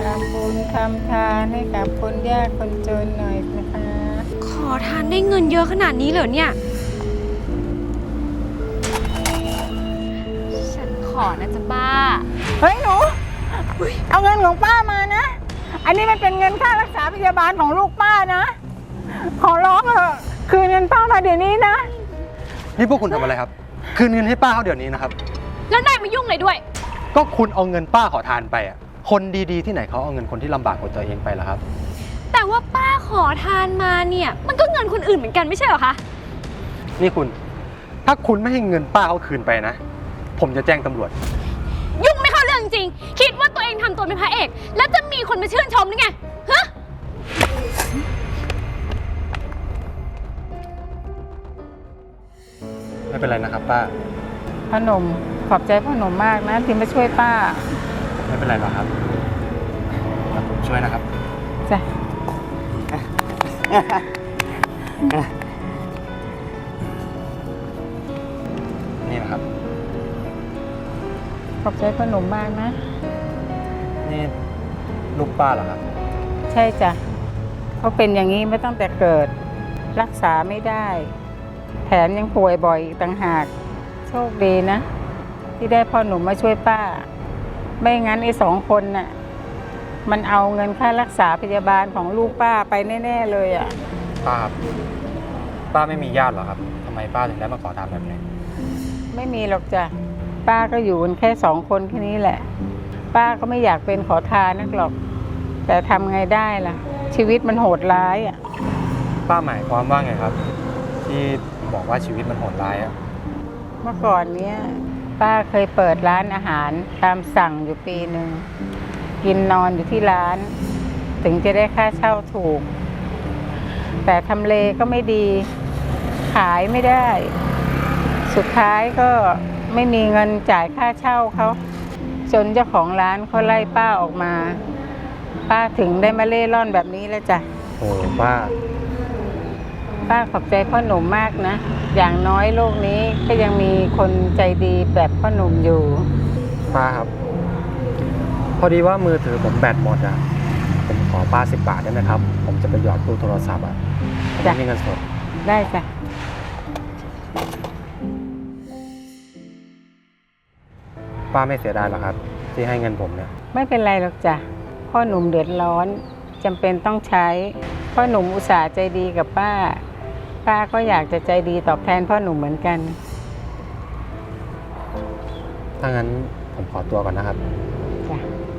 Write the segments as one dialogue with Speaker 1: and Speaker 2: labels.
Speaker 1: ทำบุญทำทานให้กับคนยากคนจนหน่อยนะคะ
Speaker 2: ขอทานได้เงินเยอะขนาดนี้เหรอเนี่ย ฉันขอนะจ๊ะป้า
Speaker 1: เฮ้ยหนูเอาเงินของป้ามานะ อันนี้มันเป็นเงินค่ารักษาพยาบาลของลูกป้านะ ขอร้องเถอะคืนเงินป้ามาเดี๋ยวนี้นะ
Speaker 3: นี่พวกคุณทำอะไรครับ คืนเงินให้ป้าเขาเดี๋ยวนี้นะครับ
Speaker 2: แล้วนายมายุ่งเลยด้วย
Speaker 3: ก็คุณเอาเงินป้าขอทานไปอ่ะ คนดีๆที่ไหนเขาเอาเงินคนที่ลำบากกว่าตัวเองไปล่ะครับ
Speaker 2: แต่ว่าป้าขอทานมาเนี่ย มันก็เงินคนอื่นเหมือนกันไม่ใช่เหรอคะ
Speaker 3: นี่คุณ ถ้าคุณไม่ให้เงินป้าเขาคืนไปนะ ผมจะแจ้งตำรวจ
Speaker 2: ยุ่งไม่เข้าเรื่องจริง คิดว่าตัวเองทำตัวเป็นพระเอก แล้วจะมีคนมาชื่นชมหรือไง ฮะ
Speaker 3: ไม่เป็นไรนะครับป้า
Speaker 1: พ่อหนุ่มขอบใจพ่อหนุ่มมากนะที่มาช่วยป้า
Speaker 3: ไม่เป็นไรหรอกครับเดี๋ยวผมช่วยนะครับ
Speaker 1: จ้ะ
Speaker 3: นี่นะครับ
Speaker 1: ขอบใจพ่อหนุ่มมากนะ
Speaker 3: นี่ลูกป้าเหรอครับ
Speaker 1: ใช่จ้ะเขาเป็นอย่างนี้มาตั้งแต่เกิด รักษาไม่ได้ แถมยังป่วยบ่อยอีกต่างหาก โชคดีนะ ที่ได้พ่อหนุ่มมาช่วยป้า ไม่งั้นไอ้สองคนน่ะมันเอาเงินค่ารักษาพยาบาลของลูกป้าไปแน่ๆเลยอ่ะ
Speaker 3: ป้าครับ ป้าไม่มีญาติเหรอครับทำไมป้าถึงได้มาขอทานแบบนี้
Speaker 1: ไม่มีหรอกจ้ะป้าก็อยู่กันแค่สองคนแค่นี้แหละ ป้าก็ไม่อยากเป็นขอทานนักหรอก แต่ทำไงได้ล่ะ ชีวิตมันโหดร้ายอ่ะ
Speaker 3: ป้าหมายความว่าไงครับ ที่บอกว่าชีวิตมันโหดร้ายอะ
Speaker 1: เมื่อก่อนเนี้ยป้าเคยเปิดร้านอาหารตามสั่งอยู่ปีหนึ่งกินนอนอยู่ที่ร้าน ถึงจะได้ค่าเช่าถูก แต่ทำเลก็ไม่ดี ขายไม่ได้ สุดท้ายก็ไม่มีเงินจ่ายค่าเช่าเขาจนเจ้าของร้านเขาไล่ป้าออกมา ป้าถึงได้มาเล่ร่อนแบบนี้แล้วจ้ะ
Speaker 3: โอ้ป้า
Speaker 1: ป้าขอบใจพ่อหนุ่มมากนะ อย่างน้อยโลกนี้ก็ยังมีคนใจดีแบบพ่อหนุ่มอยู่
Speaker 3: ป้าครับ พอดีว่ามือถือผมแบตหมดอ่ะ ผมขอป้า10 บาทได้ไหมครับ ผมจะไปหยอดตู้โทรศัพท์อ่ะผมไม่มีเงินสด
Speaker 1: ได้จ้ะ
Speaker 3: ป้าไม่เสียดายหรอครับ ที่ให้เงินผมเนี่ย
Speaker 1: ไม่เป็นไรหรอกจ้ะ พ่อหนุ่มเดือดร้อนจำเป็นต้องใช้ พ่อหนุ่มอุตส่าห์ใจดีกับป้า ป้าก็อยากจะใจดีตอบแทนพ่อหนุ่มเหมือนกัน
Speaker 3: ถ้างั้นผมขอตัวก่อนนะครับ
Speaker 1: จ้ะ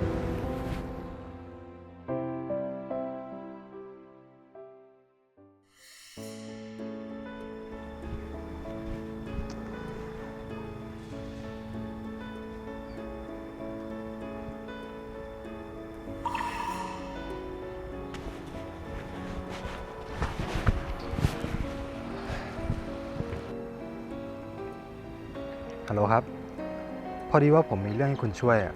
Speaker 3: ฮัลโหลครับ พอดีว่าผมมีเรื่องให้คุณช่วยอ่ะ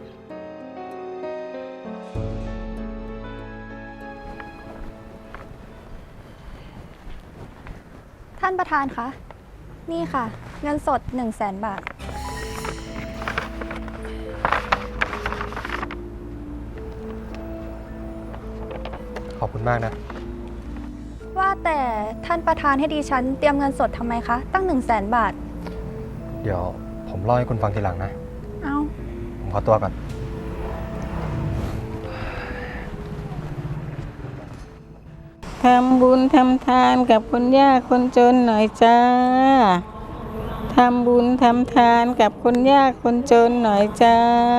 Speaker 4: ท่านประธานคะ นี่ค่ะ เงินสด 100,000 บาท
Speaker 3: ขอบคุณมากนะ
Speaker 4: ว่าแต่ท่านประธานให้ดิฉันเตรียมเงินสดทำไมคะ ตั้ง 100,000 บาท
Speaker 3: เดี๋ยวผมเล่าให้คุณฟังทีหลังนะ
Speaker 4: เอา
Speaker 3: ผมขอตัวก่อน
Speaker 1: ทำบุญทำทานกับคนยากคนจนหน่อยจ้า ทำบุญทำทานกับคนยากคนจนหน่อยจ้า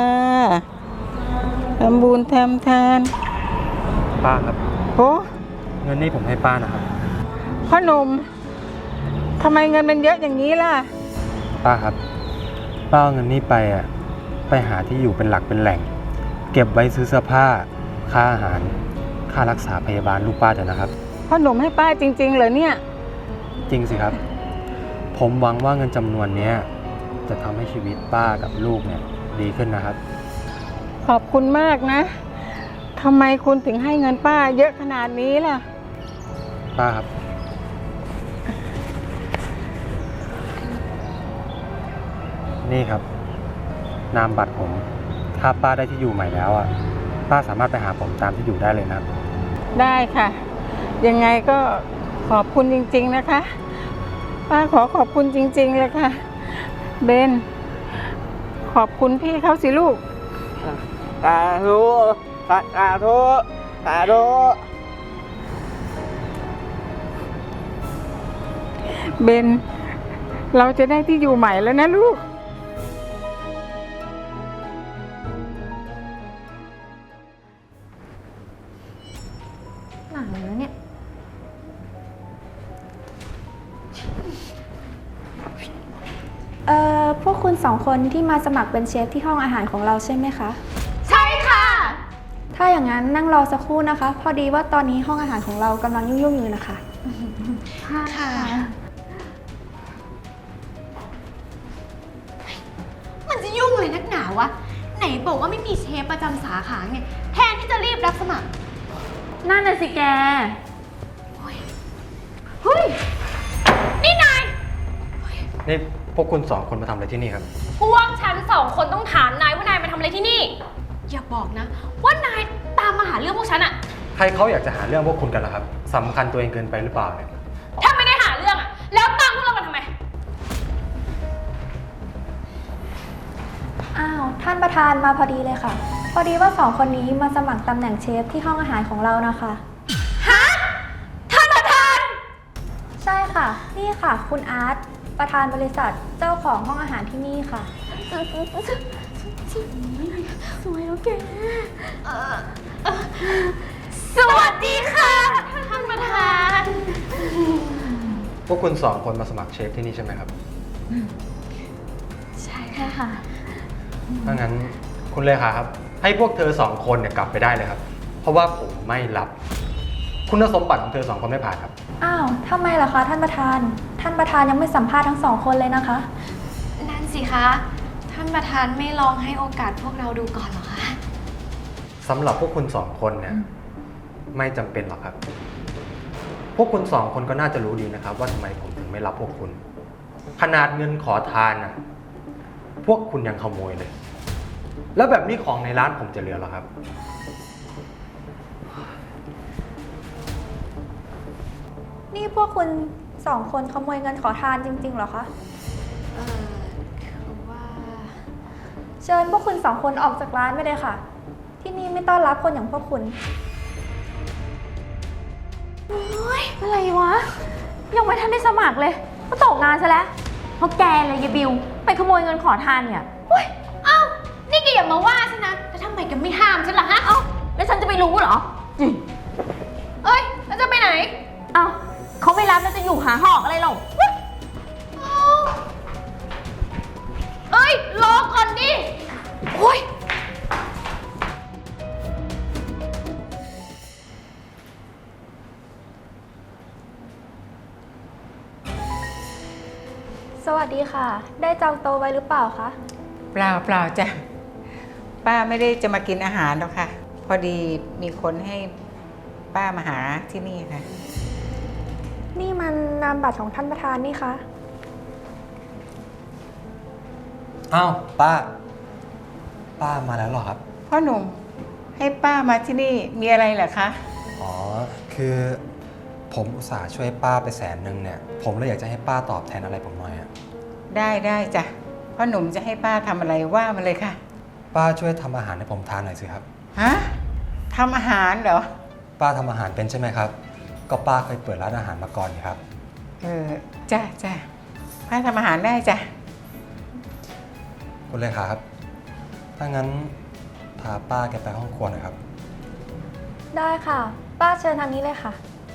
Speaker 1: ทำบุญทำทาน
Speaker 3: ป้าครับ
Speaker 1: โอ้
Speaker 3: เงินนี้ผมให้ป้านะครับ
Speaker 1: พ่อหนุ่มทำไมเงินมันเยอะอย่างนี้ล่ะ
Speaker 3: ป้าครับ ป้าเอาเงินนี้ไปอ่ะ ไปหาที่อยู่เป็นหลักเป็นแหล่ง เก็บไว้ซื้อเสื้อผ้า ค่าอาหาร ค่ารักษาพยาบาลลูกป้าเถอะนะครับ
Speaker 1: พ่อหนุ่มให้ป้าจริงๆเหรอเนี่ย
Speaker 3: จริงสิครับ ผมหวังว่าเงินจำนวนนี้จะทำให้ชีวิตป้ากับลูกเนี่ยดีขึ้นนะครับ
Speaker 1: ขอบคุณมากนะทำไมคุณถึงให้เงินป้าเยอะขนาดนี้ล่ะ
Speaker 3: ป้าครับ นี่ครับ นามบัตรผม ถ้าป้าได้ที่อยู่ใหม่แล้วอ่ะป้าสามารถไปหาผมตามที่อยู่ได้เลยนะครับ
Speaker 1: ได้ค่ะ ยังไงก็ขอบคุณจริงๆนะคะ ป้าขอขอบคุณจริงๆเลยค่ะ เบน ขอบคุณพี่เขาสิลูก
Speaker 5: สาธุสาธุสาธุ
Speaker 1: เบน เราจะได้ที่อยู่ใหม่แล้วนะลูก
Speaker 4: หนังนะเนี่ย พวกคุณสองคนที่มาสมัครเป็นเชฟที่ห้องอาหารของเราใช่ไหมคะ
Speaker 2: ใช่ค่ะ
Speaker 4: ถ้าอย่างนั้นนั่งรอสักครู่นะคะ พอดีว่าตอนนี้ห้องอาหารของเรากำลังยุ่งๆอยู่นะคะ
Speaker 2: ค่ะ มันจะยุ่งเลยนักหนาวะ ไหนบอกว่าไม่มีเชฟประจำสาขาไง แทนที่จะรีบรับสมัคร
Speaker 6: นั่นน่ะสิแก
Speaker 2: เฮ้ย นี่นาย
Speaker 3: นี่พวกคุณสองคนมาทำอะไรที่นี่ครับ
Speaker 2: พวกฉันสองคนต้องถามนายว่านายมาทำอะไรที่นี่ อย่าบอกนะ ว่านายตามมาหาเรื่องพวกฉันอะ
Speaker 3: ใครเขาอยากจะหาเรื่องพวกคุณกันล่ะครับสำคัญตัวเองเกินไปหรือเปล่าเนี่ย
Speaker 2: ถ้าไม่ได้หาเรื่องอะแล้วตามพวกเรามาทำไม
Speaker 4: อ้าว ท่านประธานมาพอดีเลยค่ะ พอดีว่าสองคนนี้มาสมัครตำแหน่งเชฟที่ห้องอาหารของเรานะคะ
Speaker 2: ฮะ ท่านประธาน
Speaker 4: ใช่ค่ะ นี่ค่ะ คุณอาร์ต ประธานบริษัท เจ้าของห้องอาหารที่นี่ค่ะ
Speaker 2: สวยแล้วแกสวัสดีค่ะ ท่านประธาน
Speaker 3: พวกคุณสองคนมาสมัครเชฟที่นี่ใช่ไหมครับ
Speaker 2: ใช่ค่ะ
Speaker 3: ถ้างั้นคุณเลขาครับ ให้พวกเธอสองคนเนี่ยกลับไปได้เลยครับ เพราะว่าผมไม่รับ คุณสมบัติของเธอสองคนไม่ผ่านครับ
Speaker 4: อ้าวทำไมล่ะคะท่านประธาน ท่านประธานยังไม่สัมภาษณ์ทั้งสองคนเลยนะคะ
Speaker 2: นั่นสิคะ ท่านประธานไม่ลองให้โอกาสพวกเราดูก่อนเหรอคะ
Speaker 3: สำหรับพวกคุณสองคนเนี่ยไม่จำเป็นหรอกครับ พวกคุณสองคนก็น่าจะรู้ดีนะครับ ว่าทำไมผมถึงไม่รับพวกคุณ ขนาดเงินขอทานน่ะพวกคุณยังขโมยเลย แล้วแบบนี้ของในร้านผมจะเหลือหรอครับ
Speaker 4: นี่พวกคุณสองคนขโมยเงินขอทานจริงๆเหรอคะ
Speaker 2: คือว่า
Speaker 4: เชิญพวกคุณสองคนออกจากร้านไปเลยค่ะ ที่นี่ไม่ต้อนรับคนอย่างพวกคุณ
Speaker 6: อะไรวะ ยังไม่ทันได้สมัครเลย ก็ตกงานซะแล้ว เพราะแกเลยยายบิว ไปขโมยเงินขอทานเนี่ย
Speaker 2: เอ้า นี่แกอย่ามาว่าฉันนะ แล้วทำไมแกไม่ห้ามฉันล่ะฮะ
Speaker 6: เอ้า แล้วฉันจะไปรู้เหรอ
Speaker 2: เอ้ย แล้วจะไปไหน
Speaker 6: เอ้าเขาไม่รับแล้วจะอยู่หาหอกอะไรหรอก
Speaker 2: เอ้าเอ้ย รอก่อนดิ โอ้ย
Speaker 4: สวัสดีค่ะ ได้จองโต๊ะไว้หรือเปล่าคะ
Speaker 1: เปล่าเปล่าจ้ะ ป้าไม่ได้จะมากินอาหารหรอกค่ะ พอดีมีคนให้ป้ามาหาที่นี่ค่ะ
Speaker 4: นี่มันนามบัตรของท่านประธานนี่คะ
Speaker 3: อ้าวป้ามาแล้วเหรอครับ
Speaker 1: พ่อหนุ่มให้ป้ามาที่นี่มีอะไรเหรอคะ
Speaker 3: อ๋อ คือผมอุตส่าห์ช่วยป้าไป100,000เนี่ย ผมเลยอยากจะให้ป้าตอบแทนอะไรผมหน่อยอะ
Speaker 1: ได้จ้ะ พ่อหนุ่มจะให้ป้าทำอะไรว่ามาเลยค่ะ
Speaker 3: ป้าช่วยทำอาหารให้ผมทานหน่อยสิครับ
Speaker 1: ฮะทำอาหารเหรอ
Speaker 3: ป้าทำอาหารเป็นใช่ไหมครับ ก็ป้าเคยเปิดร้านอาหารมาก่อนนี่ครับ
Speaker 1: จ้ะป้าทำอาหารได้จ้ะ
Speaker 3: คุณเลขาครับ ถ้างั้นพาป้าแกไปห้องครัวหน่อยครับ
Speaker 4: ได้ค่ะ ป้าเชิญทางนี้เลยค่ะ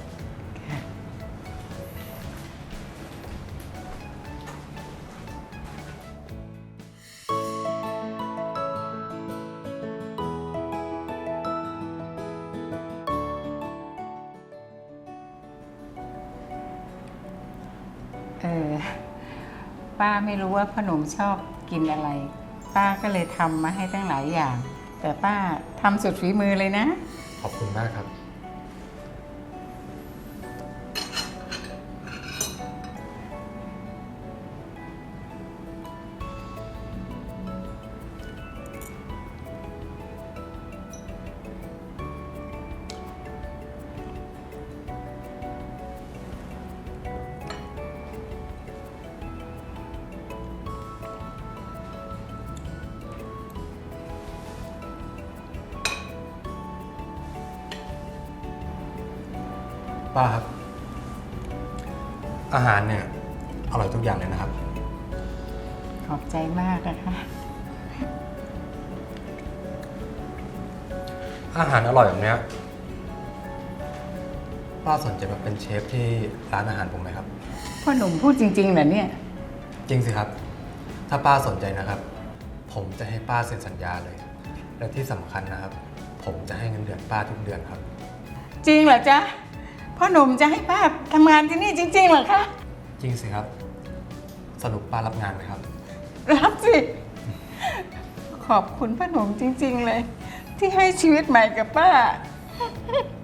Speaker 1: ป้าไม่รู้ว่าพ่อหนุ่มชอบกินอะไร ป้าก็เลยทำมาให้ตั้งหลายอย่าง แต่ป้าทำสุดฝีมือเลยนะ
Speaker 3: ขอบคุณมากครับป้าครับ อาหารเนี่ยอร่อยทุกอย่างเลยนะครับ
Speaker 1: ขอบใจมากนะคะ
Speaker 3: อาหารอร่อยแบบเนี้ยป้าสนใจมาเป็นเชฟที่ร้านอาหารผมไหมครับ
Speaker 1: พ่อหนุ่มพูดจริงๆเหรอเนี่ย
Speaker 3: จริงสิครับ ถ้าป้าสนใจนะครับ ผมจะให้ป้าเซ็นสัญญาเลย และที่สำคัญนะครับ ผมจะให้เงินเดือนป้าทุกเดือนครับ
Speaker 1: จริงเหรอจ๊ะ พ่อหนุ่มจะให้ป้าทำงานที่นี่จริงๆเหรอคะ
Speaker 3: จริงสิครับ สรุปป้ารับงานไหมครับ
Speaker 1: รับสิ ขอบคุณพ่อหนุ่มจริงๆเลย ที่ให้ชีวิตใหม่กับป้า